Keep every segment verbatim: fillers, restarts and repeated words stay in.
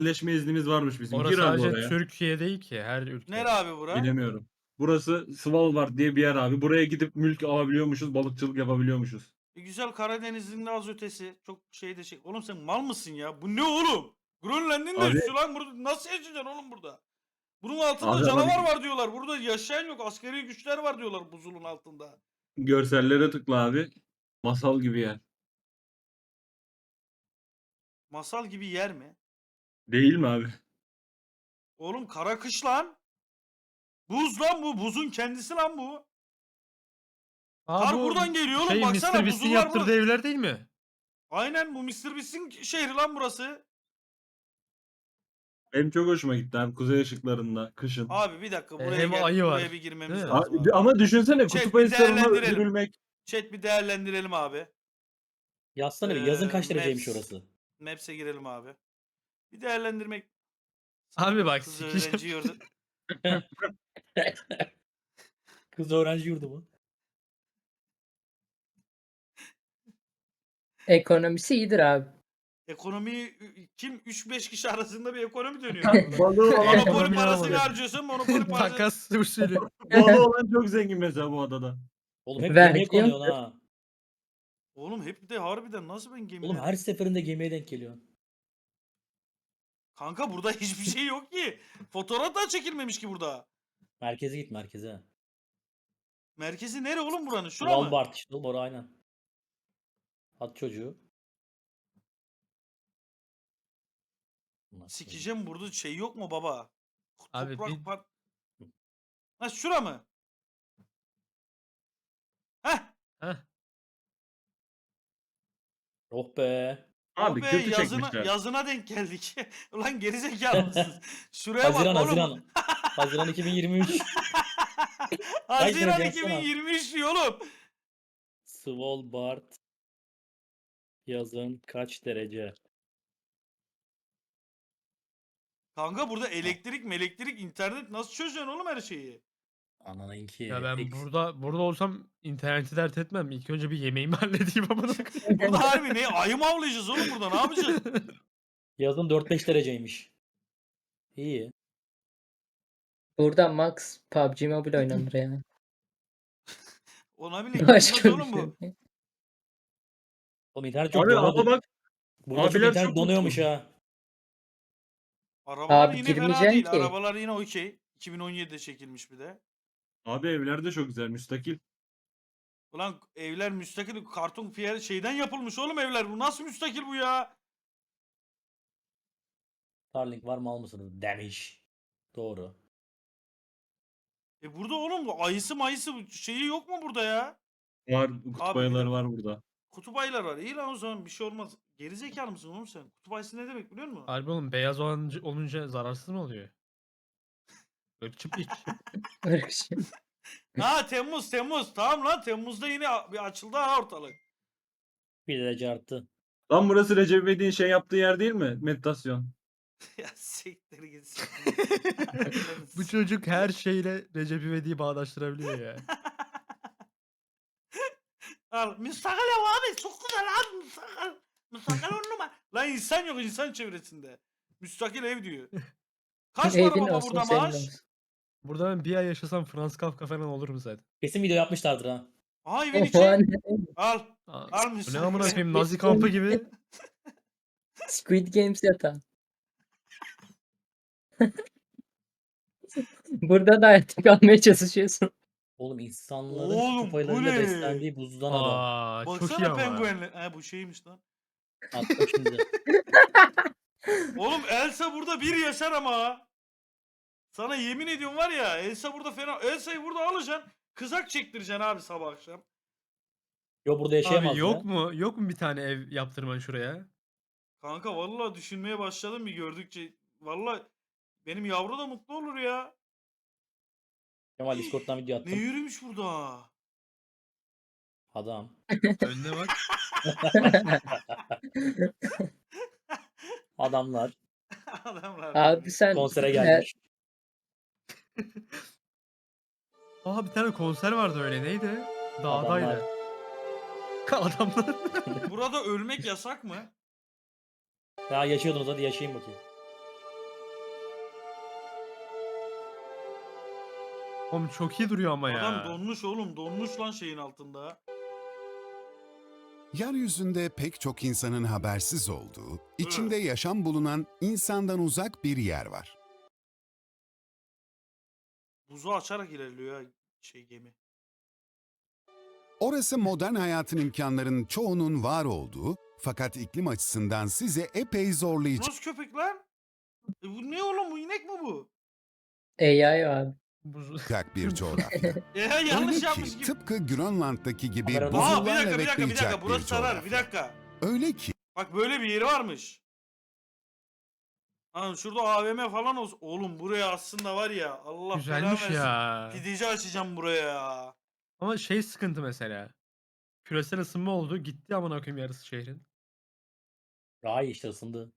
yerleşme iznimiz varmış bizim. Orası Gir abi sadece oraya. Türkiye değil ki, her Nere ülke. abi bura? Bilemiyorum. Burası Svalbard diye bir yer abi. Buraya gidip mülk alabiliyormuşuz, balıkçılık yapabiliyormuşuz. E güzel, Karadeniz'in de az ötesi. Çok şey de şey. Oğlum sen mal mısın ya? Bu ne oğlum? Grönland'ın da Abi üstü lan. Burada nasıl yaşayacaksın oğlum burada? Bunun altında abi ama canavar bir var diyorlar. Burada yaşayan yok. Askeri güçler var diyorlar buzulun altında. görsellere tıkla abi. Masal gibi yer. Masal gibi yer mi? Değil mi abi? Oğlum kara kış lan. Buz lan bu. Buzun kendisi lan bu. Aa, Kar bu buradan geliyor oğlum. şey mister Baksana Beast'in buzullar yaptırdığı burada. evler değil mi? Aynen, bu mister Beast'in şehri lan burası. Benim çok hoşuma gitti abi kuzey ışıklarında kışın. Abi bir dakika, E, buraya hem gel. ayı var. Buraya bir Değil girmemiz mi? lazım Abi, abi. ama düşünsene Chat kutup bir ayılarına değerlendirelim. yürülmek. Chat bir değerlendirelim abi. Yazsana bir, yazın Ee, kaç dereceymiş Maps. orası? Maps'e girelim abi. Bir değerlendirmek. Abi bak, Kız sikeceğim. öğrenci yurdu. Kız öğrenci yurdu mu? Ekonomisi iyidir abi. Ekonomi kim? üç beş kişi arasında bir ekonomi dönüyor abi burada. Balığı olan, Monopoli Ekonomi parasını alamadı. harcıyorsun. Monopoli parası. Takas usulü. balığı olan çok zengin mesela bu adada. Oğlum hep Vergi gemiye konuyorsun yoktur. ha. Oğlum hep de harbiden nasıl ben gemide? Oğlum her seferinde gemiye denk geliyorsun. Kanka burada hiçbir şey yok ki. Fotoğraf da çekilmemiş ki burada. Merkeze git, merkeze. Merkezi nere oğlum buranın? Şura mı? Svalbard işte oğlum, orası aynen. At çocuğu. Nasıl Sikeceğim, burada şey yok mu baba? Abi Toprak bir- par... Ha şura mı? Heh. Heh. Oh be. Abi Oh be, kötü yazına, çekmişler. yazına denk geldik. Ulan gerizekalı mısınız? Şuraya Haziran, bak oğlum. Haziran. Haziran iki bin yirmi üç. Haziran derece yazsana? iki bin yirmi üç diyor oğlum. Svalbard yazın kaç derece? Kanka burada elektrik, elektrik, internet nasıl çözeceksin oğlum her şeyi? Ananınki. Ya ben Eksi- burada burada olsam interneti dert etmem. İlk önce bir yemeğimi halledeyim amına koyayım. Burada harbi ne? Ayı mı avlayacağız oğlum burada? Ne yapacağız? Yazın dört beş dereceymiş. İyi. Burada max P U B G Mobile oynanır yani. Ona bile gitmez Başka bir oğlum şey bu. yok. Oğlum internet çok Abi ama donuyordu. bak Burada çok abiler internet çok donuyormuş mutlu. ha. Arabalar Abi yine fena girmeyeceksin değil. ki. Arabalar yine okey. iki bin on yedide çekilmiş bir de. Abi evler de çok güzel müstakil. Ulan evler müstakil, karton piyer şeyden yapılmış oğlum evler. Bu nasıl müstakil bu ya? Starlink var mı, al mısınız? Demiş. Doğru. E burada oğlum bu ayısı mayısı bu şeyi yok mu burada ya? Var kutup Abi bir ayıları dakika. var burada. Kutup ayılar var. İyi lan o zaman, bir şey olmaz. Gerizekalı mısın oğlum sen? Kutup ayısı ne demek biliyor musun? Harbi oğlum, beyaz olunca, olunca zararsız mı oluyor? Irkçı piç. Irkçı. Ha Temmuz Temmuz. Tamam lan, Temmuz'da yine a- bir açıldı ha ortalık. Bir derece arttı. Lan burası Recep İvedik'in şey yaptığı yer değil mi? Meditasyon. Ya siktir gitsin. Bu çocuk her şeyle Recep İvedik'i bağdaştırabiliyor ya. Al müstakil ev abi, çok güzel abi müstakil. Müstakil on numara. Lan insan yok insan çevresinde. Müstakil ev diyor. Kaç para Evin baba olsun burada senin maaş? olsun. Burada ben bir ay yaşasam Franz Kafka falan olurum zaten. Kesin video yapmışlardır ha. Aha evin O içi. an Al. Aa, Al bu ne müstakil amına ev. koyayım, Nazi kampı gibi. Squid Games yatağı. Burada da hayatta kalmaya çalışıyorsun. Oğlum insanların Oğlum, kutup bu ayılarıyla ne? beslendiği buzdan adam. Aa, çok iyi Baksana ama. penguenle. Ha bu şeymiş lan. Attım şimdi. Oğlum Elsa burada bir yaşar ama. ha. Sana yemin ediyorum var ya, Elsa burada fena. Elsa'yı burada alacaksın. Kızak çektireceksin abi sabah akşam. Yo, burada yaşayamaz Abi ya. yok mu? Yok mu bir tane ev yaptırman şuraya? Kanka vallahi düşünmeye başladım bir gördükçe. Vallahi benim yavru da mutlu olur ya. Kemal Discord'dan video Ne attım. yürümüş burada? Adam. Önüne bak. Adamlar Adamlar. Abi sen konsere her- gelmiş. Aa, bir tane konser vardı öyle, neydi? Dağdaydı. Adamlar. Adamlar. Burada ölmek yasak mı? Ya yaşıyordunuz, hadi yaşayın bakayım. Oğlum çok iyi duruyor ama ya. Adam donmuş oğlum. Donmuş lan şeyin altında. Yeryüzünde pek çok insanın habersiz olduğu, içinde yaşam bulunan insandan uzak bir yer var. Buzu açarak ilerliyor ya şey gemi. Orası modern hayatın imkanlarının çoğunun var olduğu, fakat iklim açısından size epey zorlayacak Nasıl köpek lan? E bu ne oğlum, bu inek mi bu? A I abi. Buzu. bir coğrafya. E yanlış Öyle yapmış ki gibi. tıpkı Grönland'daki gibi Kamera- Aa bir buzullarla dakika bir dakika bir dakika. bekleyecek bir Burası sarar bir coğrafya. dakika. Öyle ki Bak böyle bir yeri varmış. Ha şurada A V M falan olsun. Oğlum buraya aslında var ya, Allah Güzelmiş belanı versin. ya. Pideci açacağım buraya ya. Ama şey sıkıntı mesela. Küresel ısınma oldu. Gitti amına koyayım yarısı şehrin. Daha iyi işte ısındı.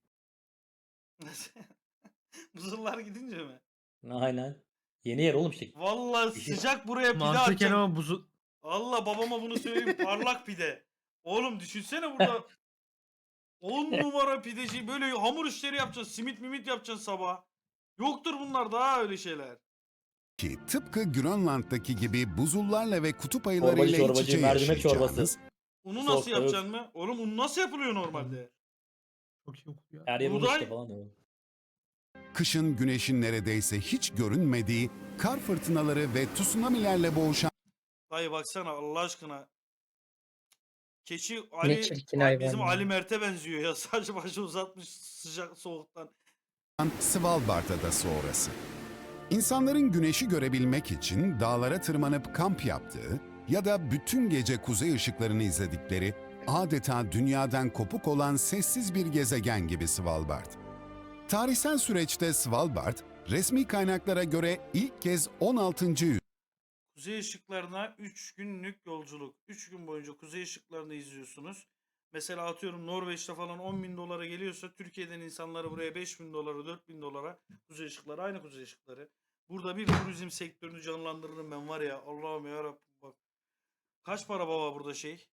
Buzullar gidince mi? Aynen. Yeni yer oğlum işte. Vallahi İşte- sıcak buraya pide Mantıken atacağım. ama buzu... Allah babama bunu söyleyeyim, parlak pide. Oğlum düşünsene burada on numara pideci, böyle hamur işleri yapacaksın, simit mimit yapacaksın sabah. Yoktur bunlar daha öyle şeyler. ki tıpkı Grönland'daki gibi buzullarla ve kutup ayılarıyla Çorbacı, iç çorbacı, içe mercimek çorbası. yaşayacağınız, Unu Soğuk, nasıl evet. yapacaksın mı? Oğlum un nasıl yapılıyor normalde? Çok iyi okuyor. Her yer Buğday- işte falan. diyor. kışın güneşin neredeyse hiç görünmediği, kar fırtınaları ve tsunamilerle boğuşan Dayı baksana Allah aşkına. Keçi Ne Ali, çirkin Ali- hayvan bizim ya. Ali Mert'e benziyor ya. Saçı başı uzatmış sıcak soğuktan. Svalbard adası orası. İnsanların güneşi görebilmek için dağlara tırmanıp kamp yaptığı ya da bütün gece kuzey ışıklarını izledikleri adeta dünyadan kopuk olan sessiz bir gezegen gibi Svalbard. Tarihsel süreçte Svalbard, resmi kaynaklara göre ilk kez on altıncı Kuzey ışıklarına üç günlük yolculuk. üç gün boyunca kuzey ışıklarını izliyorsunuz. Mesela atıyorum Norveç'te falan on bin dolara geliyorsa Türkiye'den insanları buraya beş bin dolara, dört bin dolara, kuzey ışıkları aynı kuzey ışıkları. Burada bir turizm sektörünü canlandırırım ben var ya, Allah'ım yarabbim bak. Kaç para baba burada şey?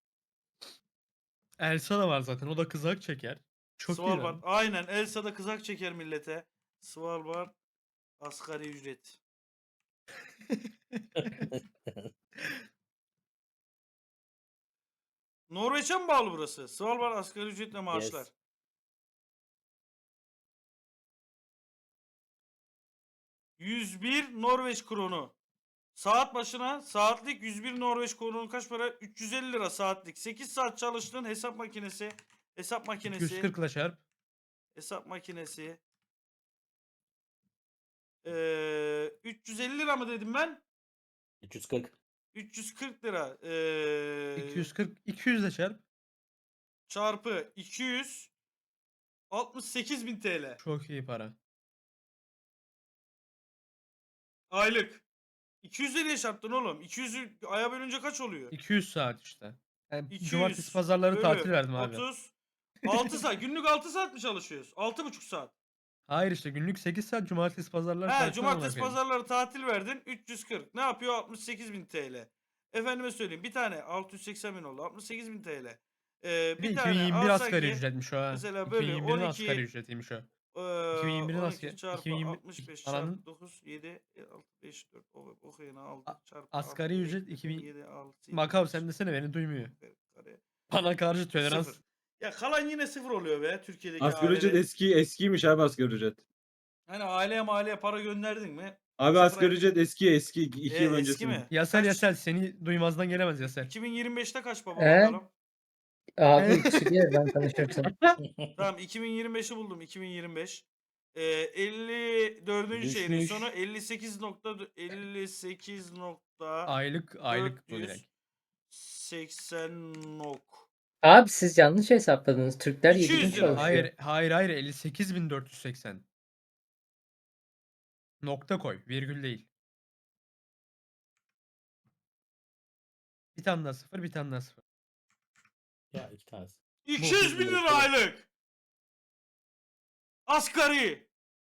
Elsa da var zaten. O da kızak çeker. Çok iyi Svalbard. lan. Aynen, Elsa'da kızak çeker millete. Svalbard asgari ücret. Norveç'e mi bağlı burası? Svalbard asgari ücretle maaşlar. Yes. yüz bir Norveç kronu. Saat başına saatlik yüz bir Norveç kronu kaç para? üç yüz elli lira saatlik. sekiz saat çalıştın, hesap makinesi. Hesap makinesi. iki yüz kırk ile çarp. Hesap makinesi. Ee, üç yüz elli lira mı dedim ben? üç yüz kırk. üç yüz kırk lira. Ee, iki yüz kırk. iki yüz ile çarp. çarpı iki yüz altmış sekiz bin T L. Çok iyi para. Aylık. iki yüz liraya çarptın oğlum. iki yüzü aya bölünce kaç oluyor? iki yüz saat işte. Yani iki yüz cumartesi pazarları bölü tatil verdim abi. otuz. altı saat. Günlük altı saat mi çalışıyoruz? altı buçuk saat. Hayır işte günlük sekiz saat cumartesi pazarları He, tatil cumartesi amına koyayım. pazarları tatil verdin. üç yüz kırk. Ne yapıyor? altmış sekiz bin T L. Efendime söyleyeyim. Bir tane altı yüz seksen bin oldu. altmış sekiz bin T L. Ee, Bir de bir tane iki bin yirmi bir alsak asgari ki, ücretmiş o ha. mesela böyle iki bin yirmi birin on iki asgari ücretiymiş o. Ee, iki bin yirmi birin on asgari- iki çarpı iki bin yirmi altmış beş ananın- çarpı dokuz, yedi, altı, beş, dört, okuyun altı A- çarpı asgari altı, ücret beş, iki bin yedi, altı, yedi, Makav beş, sen desene beni duymuyor. kare, Bana karşı tolerans. sıfır. Ya kalan yine sıfır oluyor be Türkiye'deki Asgari ücret ailede. eski eskiymiş abi asgari ücret. Hani aileye mahalleye para gönderdin mi? Abi Sıfıra- asgari ücret eski eski iki E, yıl eski öncesi. mi? Yasel Kaç? Yasel seni duymazdan gelemez Yasel. iki bin yirmi beşte kaç baba Ee? bakalım? Abi yükseliyor ben tanışırsam. Tamam iki bin yirmi beşi buldum iki bin yirmi beş. Ee, elli dördüncü şehrin Düşmüş. sonu elli sekiz nokta elli sekiz nokta Aylık aylık bu dört yüz direkt. seksen nok. Abi siz yanlış hesapladınız. Türkler iki yüz yedi gün lira. çalışıyor. Hayır hayır hayır elli sekiz bin dört yüz seksen. Nokta koy, virgül değil. Bir tane daha sıfır, bir tane daha sıfır. Ya iki tanesi. iki yüz bin lira aylık. Asgari.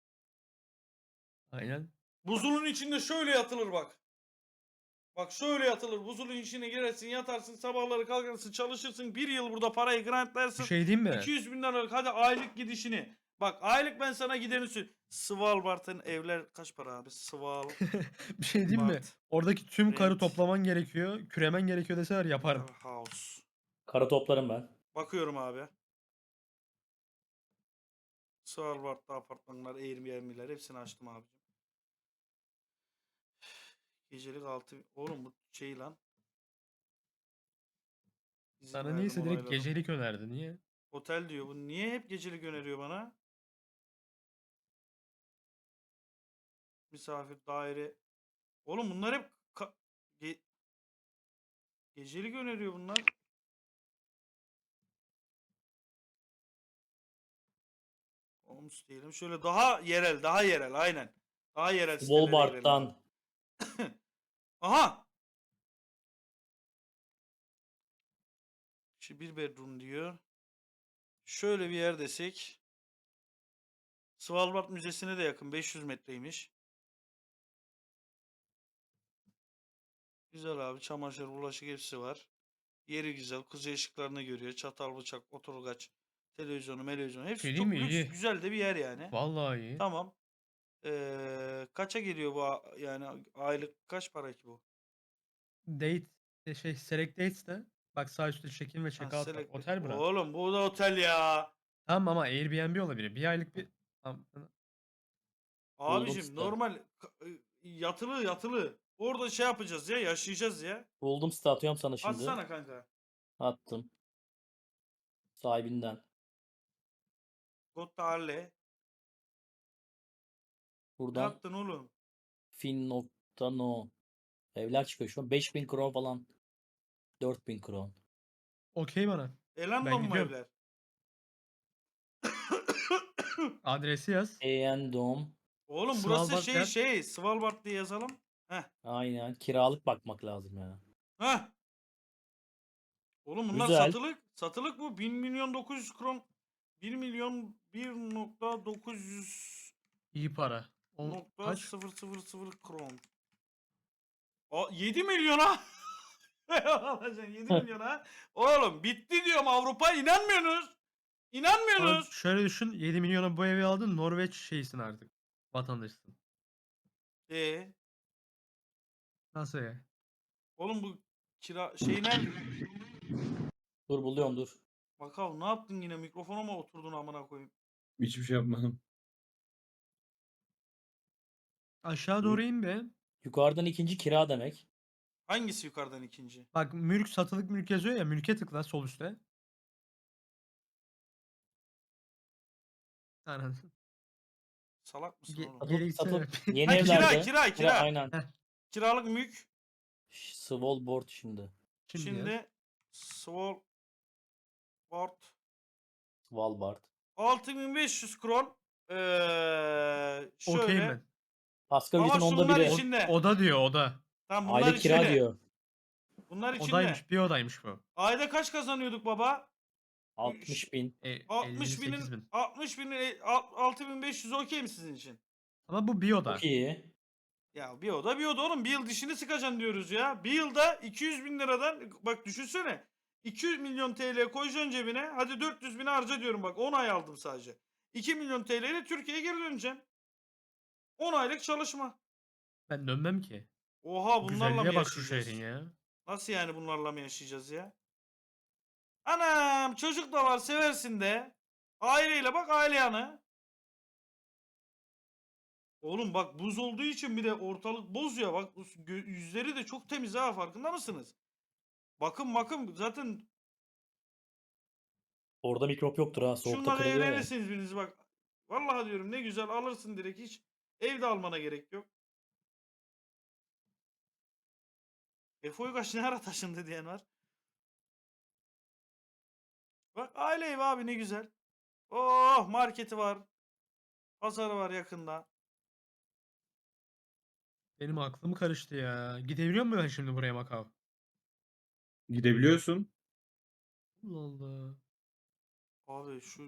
Aynen. Buzulun içinde şöyle yatılır bak. Bak şöyle yatılır. Buzulun içine girersin, yatarsın, sabahları kalkarsın, çalışırsın. Bir yıl burada parayı Bir grantlarsın. şey diyeyim mi? iki yüz bin liralık hadi aylık gidişini. Bak Bak aylık ben sana gideni söyleyeyim. Svalbard'ın evler kaç para abi? Sval. Bir şey diyeyim mi? Bart. Oradaki tüm karı Rent. toplaman gerekiyor. Küremen gerekiyor deseler yaparım. House. Kara toplarım ben. Bakıyorum abi. Svalbard'da apartmanlar, Airbnb'ler hepsini açtım abicim. Gecelik altı. Oğlum bu şey lan. İzin Sana verdim, niyeyse direkt onayladım. gecelik önerdi. Niye? Otel diyor. Bu niye hep gecelik öneriyor bana? Misafir daire. Oğlum bunlar hep ka- ge- gecelik öneriyor bunlar. Homes diyelim. Şöyle daha yerel, daha yerel aynen. Daha yerel sitelere girelim abi. Walmart'tan Aha! Şu bir bedroom diyor. Şöyle bir yer desek. Svalbard Müzesi'ne de yakın. beş yüz metreymiş. Güzel abi. Çamaşır, bulaşık hepsi var. Yeri güzel. Kuzey ışıklarını görüyor. Çatal, bıçak, oturgaç, televizyonu, televizyonu. Hepsi Şey çok değil mi? lüks, İyi. güzel de bir yer yani. Vallahi iyi. Tamam. Ee, kaça geliyor bu a- yani aylık kaç para ki bu? Date e, şey select dates de bak sağ üstte check-in ve Ha, check-out var. select- Otel bura. Oğlum bu da otel ya. Tamam ama Airbnb olabilir. Bir aylık bir Tamam. Abicim site. normal ka- ı, yatılı yatılı. Orada şey yapacağız ya, yaşayacağız ya. buldum site atıyorum sana şimdi. Atsana kanka. Attım. Sahibinden. Gottalle. Ne Buradan yaptın oğlum? fin.no evler çıkıyor şu an. beş bin kron falan. dört bin kron. Okey bana. Elan'la mı gidiyorum. evler? Adresi yaz. Eendom. Oğlum burası Svalbard şey yer. şey Svalbard diye yazalım. Heh. Aynen. Kiralık bakmak lazım ya. Heh. Oğlum bunlar Güzel. satılık. Satılık bu. bir milyon dokuz yüz kron. bir milyon bir nokta dokuz yüz İyi para. O nokta kaç? sıfır sıfır sıfır kron. Aa, yedi milyona. Alacaksın yedi milyona. Oğlum bitti diyorum Avrupa. İnanmıyorsunuz. Abi İnanmıyorsunuz. şöyle düşün. yedi milyona bu evi aldın. Norveç şeysin artık. Vatandaşsın. Ee, Nasıl ya? oğlum bu kira şey nerede? Dur buluyorum dur. Bakalım ne yaptın yine mikrofona mı oturdun amına koyayım? Hiçbir şey yapmadım. Aşağı doğru in be. Yukarıdan ikinci kira demek. Hangisi yukarıdan ikinci? Bak mülk satılık mülk yazıyor ya. Mülke tıkla sol üstte. Aynen. Salak mısın Ge- oğlum? geri Satılık, gitsene. satılık. Yeni Ha, kira, evlerde. kira, kira. Aynen. Kiralık mülk. Ş- Svalbard şimdi. Şimdi, Şimdi, yaz. Svalbard Svalbard. altı bin beş yüz kron. Ee, şöyle. Okey ben. Asgari Ama ücretin onda şunlar biri. içinde. Oda diyor oda. Tamam bunlar Aylık kira içinde. diyor. Bunlar içinde. Odaymış. Bir odaymış bu. Ayda kaç kazanıyorduk baba? altmış bin. E, altmış elli sekiz binin bin. altmış binin e, al- altı bin beş yüz okey mi sizin için? Ama bu bir oda. Çok iyi. Ya bir oda bir oda oğlum. Bir yıl dişini sıkacaksın diyoruz ya. Bir yılda iki yüz bin liradan bak düşünsene. iki yüz milyon T L koyacaksın cebine. Hadi dört yüz bin harca diyorum bak. on ay aldım sadece. iki milyon T L ile Türkiye'ye geri döneceksin. on aylık çalışma. Ben dönmem ki. Oha bunlarla mı Güzelliğe bak şu yaşayacağız? şehrin ya. Nasıl yani bunlarla mı yaşayacağız ya? Anam çocuk da var seversin de. Aileyle bak aile yanı. Oğlum bak buz olduğu için bir de ortalık boz ya. Bak bu gö- yüzleri de çok temiz ha farkında mısınız? Bakın bakın zaten Orada mikrop yoktur ha. Soğukta şundan kırılıyor ya. evlenirsiniz biriniz bak. Vallahi diyorum ne güzel alırsın direkt hiç. Evde almana gerek yok. Efe Uygaç ne ara taşındı diyen var. Bak aile evi abi ne güzel. Oh marketi var. Pazarı var yakında. Benim aklım karıştı ya. Gidebiliyor muyum ben şimdi buraya Macau? Gidebiliyorsun. Allah Allah. Abi şu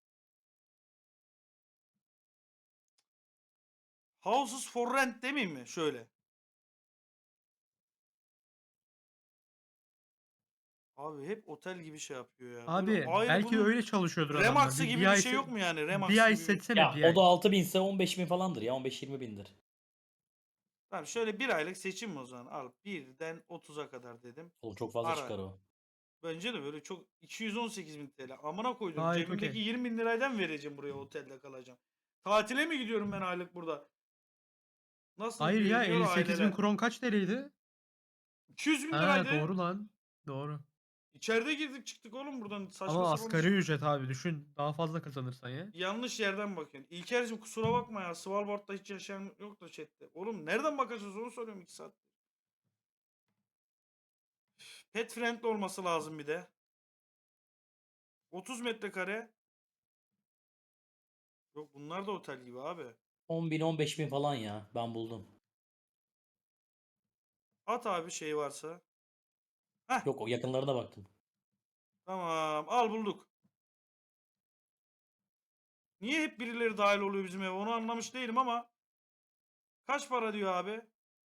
Houses for rent demeyeyim mi? Şöyle. Abi hep otel gibi şey yapıyor ya. Abi Böyle ayrı belki bunun öyle çalışıyordur adamlar. Remax'ı Bir, gibi bir bir ay şey se- yok mu yani? Remax Bir ay gibi. seçsene Ya bir ay. o da altı binse on beş bin falandır ya. on beş yirmi bindir. Tamam şöyle bir aylık seçim mi o zaman? Al birden otuza kadar dedim. Oğlum çok fazla Ara. çıkar o. Bence de böyle çok iki yüz on sekiz bin T L. Amına koydum. Gayet Cebimdeki okey. yirmi bin liraydan vereceğim buraya otelde kalacağım. Tatile mi gidiyorum ben aylık burada? Nasıl Hayır ya güveniyor elli sekiz bin aileler? kron kaç T L'ydi? iki yüz bin Ha liraydı. doğru lan. Doğru. İçeride girdik çıktık oğlum buradan. Saçma Ama sapan asgari şey. ücret abi düşün. Daha fazla kazanırsan ya. Yanlış yerden bakıyorsun. İlker'cim kusura bakma ya. Svalbard'da hiç yaşayan yok da chatte. Oğlum nereden bakacağız onu soruyorum iki saat. Pet friendly olması lazım bir de. otuz metrekare. Yok bunlar da otel gibi abi. on bin on beş bin falan ya. Ben buldum. At abi şey varsa. Yok o yakınlarına baktım. Tamam al bulduk. Niye hep birileri dahil oluyor bizim eve onu anlamış değilim ama. Kaç para diyor abi?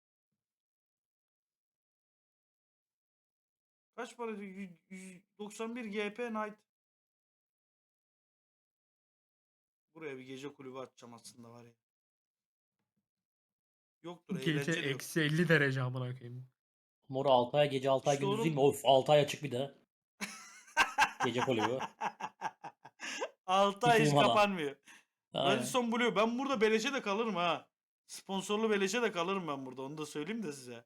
Kaç para diyor? yüz- yüz doksan bir G P Night. Buraya bir gece kulübü açacağım aslında var ya. Yoktur Gece eğlenceli yok. eksi elli derece amına koyayım. Mor altı ay gece altı ay İşte gündüz değil mi? oğlum- Of altı ay açık bir de. Gece kulübü. altı ay hiç Hiç uyumadan. kapanmıyor. Aynen. Radisson Blue. Ben burada beleşe de kalırım ha. Sponsorlu beleşe de kalırım ben burada. Onu da söyleyeyim de size.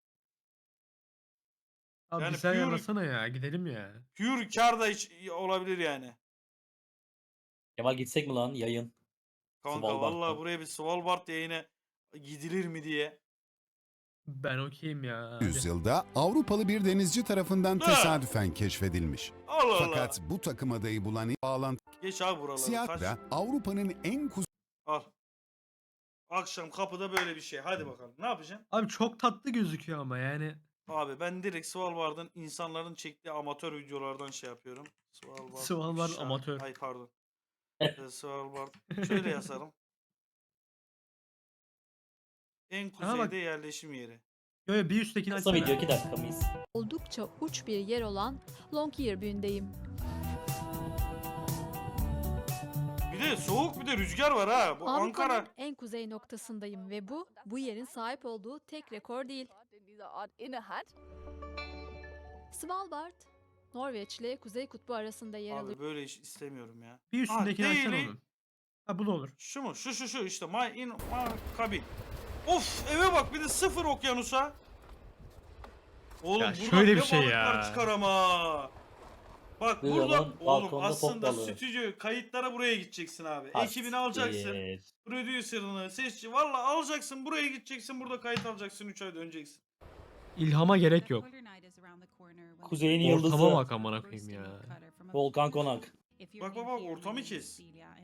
Abi Yani bize pure- ayarlasana ya gidelim ya. Pure kar da hiç olabilir yani. Kemal gitsek mi lan yayın? Kanka Svalbard'da. vallahi buraya bir Svalbard yayına gidilir mi diye. Ben okeyim ya. hadi. Yüzyılda Avrupalı bir denizci tarafından Ha! tesadüfen keşfedilmiş. Allah Allah. Fakat bu takım adayı bulan ilk bağlantı Geç abi buraları. Kaç. Seattle'da Avrupa'nın en Al. Akşam kapıda böyle bir şey. Hadi bakalım. Ne yapacaksın? Abi çok tatlı gözüküyor ama yani. Abi ben direkt Svalbard'ın insanların çektiği amatör videolardan şey yapıyorum. Svalbard. Svalbard ifşa- amatör. Ay pardon. Ee, Svalbard. Şöyle yazarım. En Aha bak. kuzeyde yerleşim yeri. Yo yo bir üsttekini Kısa açsana. video iki dakika mıyız? Oldukça uç bir yer olan Longyearby'ndeyim. Bir de soğuk bir de rüzgar var ha. Bu Ankara. Avrupa'nın en kuzey noktasındayım ve bu, bu yerin sahip olduğu tek rekor değil. Svalbard, Norveç ile Kuzey Kutbu arasında yer alıyor. Abi böyle iş istemiyorum ya. Bir üstündekini açsana daily- onun. Ha bu da olur. Şu mu? Şu şu şu işte. My in my cabin. Of eve bak bir de sıfır okyanusa. Oğlum Ya buradan şöyle bir ne şey balıklar ya. çıkar ama. Bak Bir burada yalan, oğlum balkonda aslında top balığı. stüdyo kayıtlara buraya gideceksin abi. Ha, Ekibini alacaksın. siktir. Prodüserını, sesçi. Valla alacaksın buraya gideceksin. Burada kayıt alacaksın. üç ay döneceksin. İlhama gerek yok. Kuzeyin Ortama yıldızı. bak amına koyayım ya. Volkan Konak. Bak bak bak ortamı kes.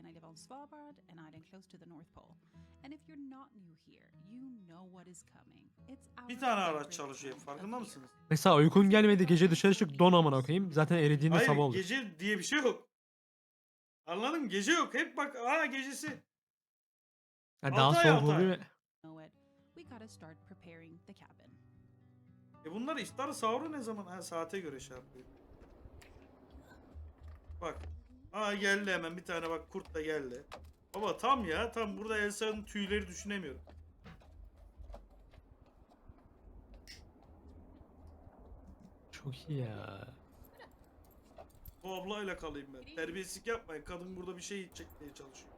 Bir tane araç çalışıyor. Farkında mısınız? Mesela uykun gelmedi gece dışarı çık don amına koyayım. Zaten eridiğinde Hayır sabah olur. gece diye bir şey yok. Anladın mı? Gece yok. Hep bak aa gecesi. Ha, daha altı ay, soğuk altı ay. oluyor. E bunlar iftar sahuru ne zaman? Ha saate göre şey yapıyor. Bak. Aa geldi hemen bir tane bak kurt da geldi. Baba tam ya tam burada Elsa'nın tüyleri düşünemiyorum. Çok iyi ya. Bu ablayla kalayım ben. Terbiyesizlik yapmayın. Kadın burada bir şey çekmeye çalışıyor.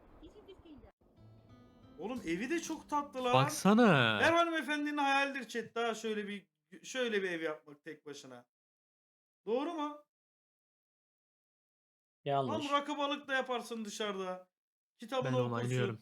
Oğlum evi de çok tatlı lan. Baksana. Her hanımefendinin hayalidir chat daha şöyle bir şöyle bir ev yapmak tek başına. Doğru mu? Yanlış. Tam rakı balık da yaparsın dışarıda. Kitabını Ben okursun. onaylıyorum.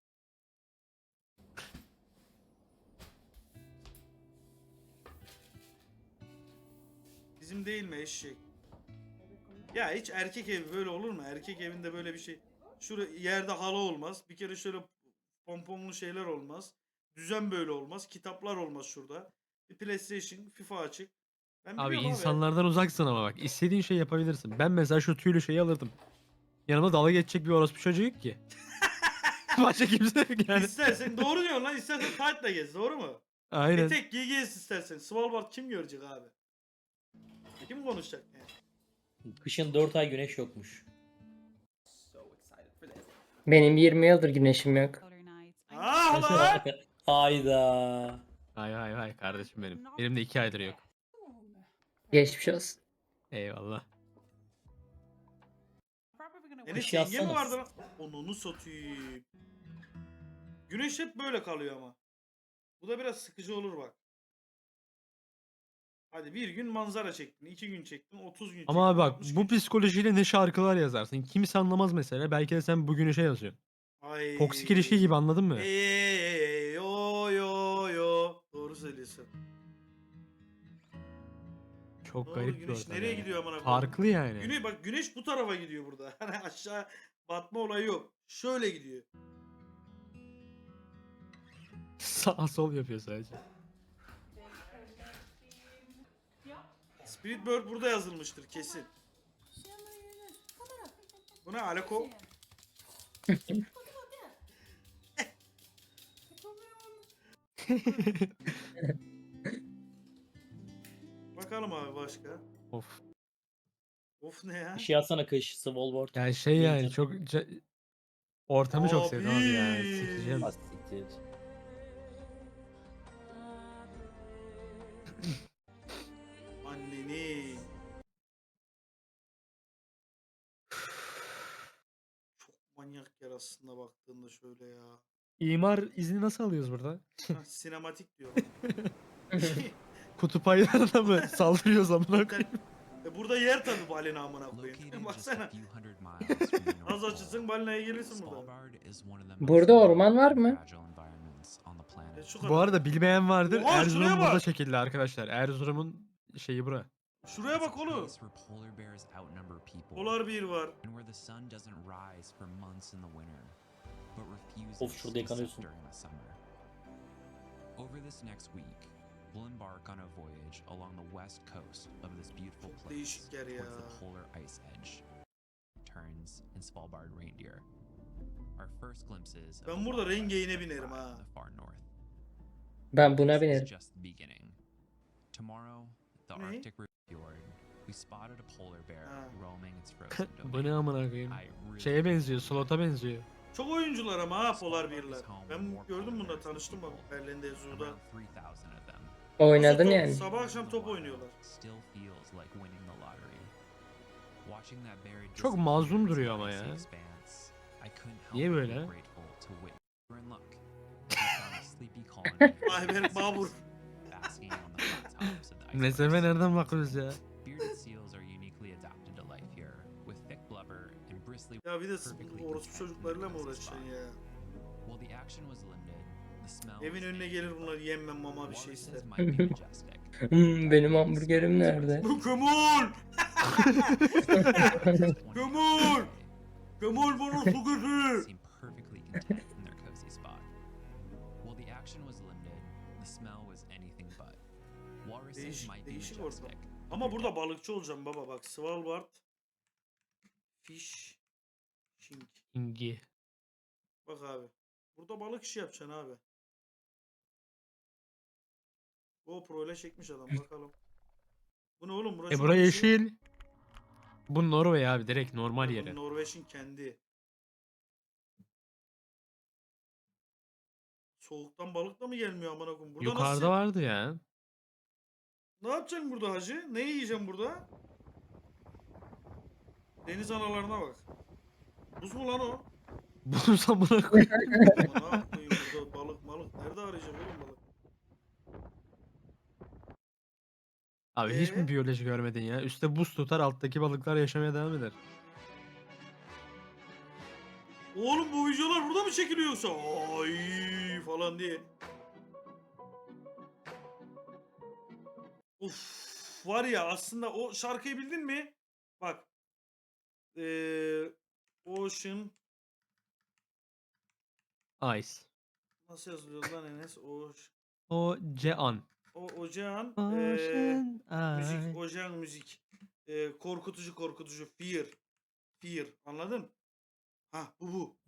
Bizim değil mi eşek? Ya hiç erkek evi böyle olur mu? Erkek evinde böyle bir şey. Şurada yerde halı olmaz. Bir kere şöyle pomponlu şeyler olmaz. Düzen böyle olmaz. Kitaplar olmaz şurada. Bir PlayStation, FIFA açık. Ben Abi biliyorum insanlardan uzaksın ama bak. İstediğin şey yapabilirsin. Ben mesela şu tüylü şeyi alırdım. Yanıma dalga geçecek bir orospu çocuğu yok ki. Başka kimse yok yani. İstersen doğru diyorsun lan. İstersen tight'la gez. Doğru mu? Aynen. Etek giy gez istersen. Svalbard kim görecek abi? Kim konuşacak yani? Kışın dört ay güneş yokmuş. Benim yirmi yıldır güneşim yok. Ah Mesela- lan! Hayda. Hay hay hay kardeşim benim. Benim de iki aydır yok. Geçmiş olsun. Eyvallah. Enes Kış yenge mi yazsana. vardı lan? Onunu satayım. Güneş hep böyle kalıyor ama. Bu da biraz sıkıcı olur bak. Hadi bir gün manzara çektin, iki gün çektin, otuz gün çektin. Ama abi bak altmış bu gün psikolojiyle ne şarkılar yazarsın. Kimse anlamaz mesela. Belki de sen bugün şey yazıyorsun. Ay. Toksik ilişki gibi, anladın mı? Ey, yo yo yo. Doğru söylüyorsun. Çok Ne oldu, garip bir güneş ortam nereye yani. gidiyor amına koyayım? Farklı yani. Güneş bak güneş bu tarafa gidiyor burada. Hani aşağı batma olayı yok. Şöyle gidiyor. Sağ sol yapıyor sadece. Spirit Bird burada yazılmıştır kesin. Bu ne alako? Bakalım abi başka. Of. Of ne ya? Bir şey yazsana kış. Svalbard. Yani şey yani Major. çok ca- ortamı çok sevdim abi ya. Abi. Sikeceğim. Ah, siktir. Anneni. Çok manyak yer aslında baktığında şöyle ya. İmar izni nasıl alıyoruz burada? Hah, sinematik diyor. Kutup aylarına mı saldırıyoruz amına koyayım? e burada yer tabi balina amına koyayım. Baksana. Az açılsın balinaya gelirsin burada. Burada orman var mı? E, şu Bu kadar. arada bilmeyen vardır. Oha, şuraya Erzurum burada bak. çekildi arkadaşlar. Erzurum'un şeyi bura. Şuraya bak oğlum. Polar bir var. Of, şurada yıkanıyorsun. Over this next week, we'll embark on a voyage along the west coast of this beautiful Çok place değişik yer ya. towards the polar ice edge. Turns and Svalbard reindeer. Our first glimpses of Ben the burada wild rengeyine west binerim thrive ha. in the far north. Ben buna This is binerim. just the beginning. Tomorrow, the Ne? Arctic fjord, we spotted a polar bear Ha. roaming its frozen Bu ne domain. amına koyayım? I really Şeye benziyor, slota benziyor. Çok oyuncular ama ha Polar Svalbard birler. is home to Ben more gördüm polar bunda bears than tanıştım bak people. Berlin'de Zoo'da. Around three thousand of them. Oynadın Top- yani. Sabah akşam top oynuyorlar. Still feels like winning the lottery. Watching that bear Çok disappear mazlum into duruyor the ama icy ya. expanse, I couldn't help Niye but be böyle? grateful to witness we're in luck. We found a sleepy colony of Ayberk Babur. basking on the flat tops of the icebergs. Mesafe nereden bakıyoruz ya? Bearded seals are uniquely adapted to life here, with thick blubber and bristly. Ya bir de perfectly bu orospu protected çocuklarıyla mı from the uğraşacaksın spot. ya? While the action was limited, the smell Evin was önüne gelir bunlar yemmem mama bir şey Walruses ister. might be majestic. Hmm, benim hamburgerim nerede? Gömül! Gömül! Gömül bana su götür! Seem perfectly content in their cozy spot. While the action was limited, the smell was anything but. Walruses Değişik- might be değişik majestic. ortam. but Ama they're burada dead. balıkçı olacağım baba bak. Svalbard. Fish. Shink. İngi. Bak abi. Burada balık işi yapacaksın abi. GoPro ile çekmiş adam bakalım. Bu ne oğlum? Burası E bura bir şey- yeşil. Bu Norveç abi, direkt normal Bu yeri. Norveç'in kendi. Soğuktan balık da mı gelmiyor amına koyayım? Burada Yukarıda nasıl? vardı ya. Ne yapacaksın burada hacı? Ne yiyeceğim burada? Deniz analarına bak. Buz mu lan o? Bunu samına koy. Amına koyayım burada balık malık. Nerede arayacağım oğlum balık? Abi hiç Ee? mi biyoloji görmedin ya? Üstte buz tutar, alttaki balıklar yaşamaya devam eder. Oğlum bu videolar burada mı çekiliyor yoksa? Ay falan diye. Uf var ya aslında o şarkıyı bildin mi? Bak. Ee, Ocean Ice. nasıl yazılıyor lan Enes? Ocean. O Cean. O Ocean ee, Ocean müzik, Ice. Ocean müzik. Ee, korkutucu korkutucu fear. Fear anladın? Ha bu bu.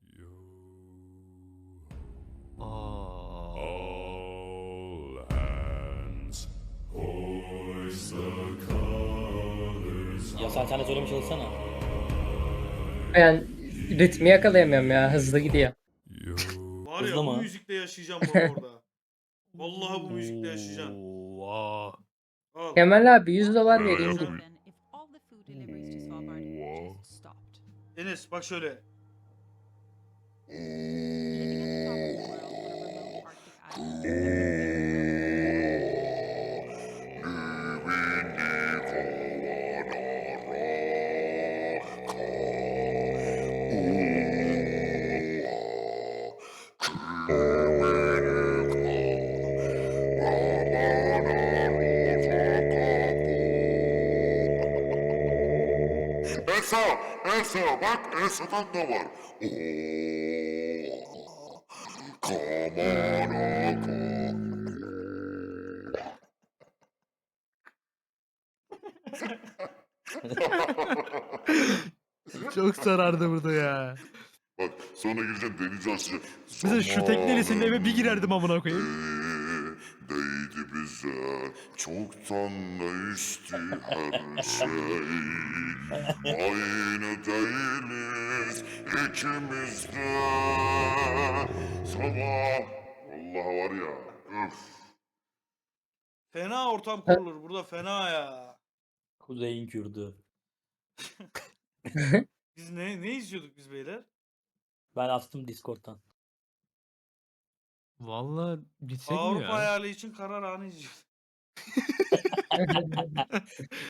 Aa. All hands hoist the Sen sen de söylemeye çalışsana. Ben ritmi yakalayamıyorum ya. Hızlı gidiyor. Var ya Hızlı bu mı? müzikle yaşayacağım bak orada. Vallahi bu müzikle yaşayacaksın. Oo, Al. Kemal abi yüz dolar vereyim git. Enes bak şöyle. Esa, Esa bak Esa'dan da var. Oo. Kamanaka. çok sarardı burada ya. Bak sonra gireceksin denize açacaksın. Mesela şu tekneyle senin eve bir girerdim amına koyayım. Ee, değdi bize çoktan değişti her şey. Aynı değiliz ikimiz de. Sabah. Vallahi var ya. Öf. Fena ortam kurulur. Burada fena ya. Kuzey'in Kürdü. Biz ne ne izliyorduk biz beyler? Ben attım Discord'dan. Vallahi gitsek mi Avrupa ya? hayali için karar anı izliyorduk.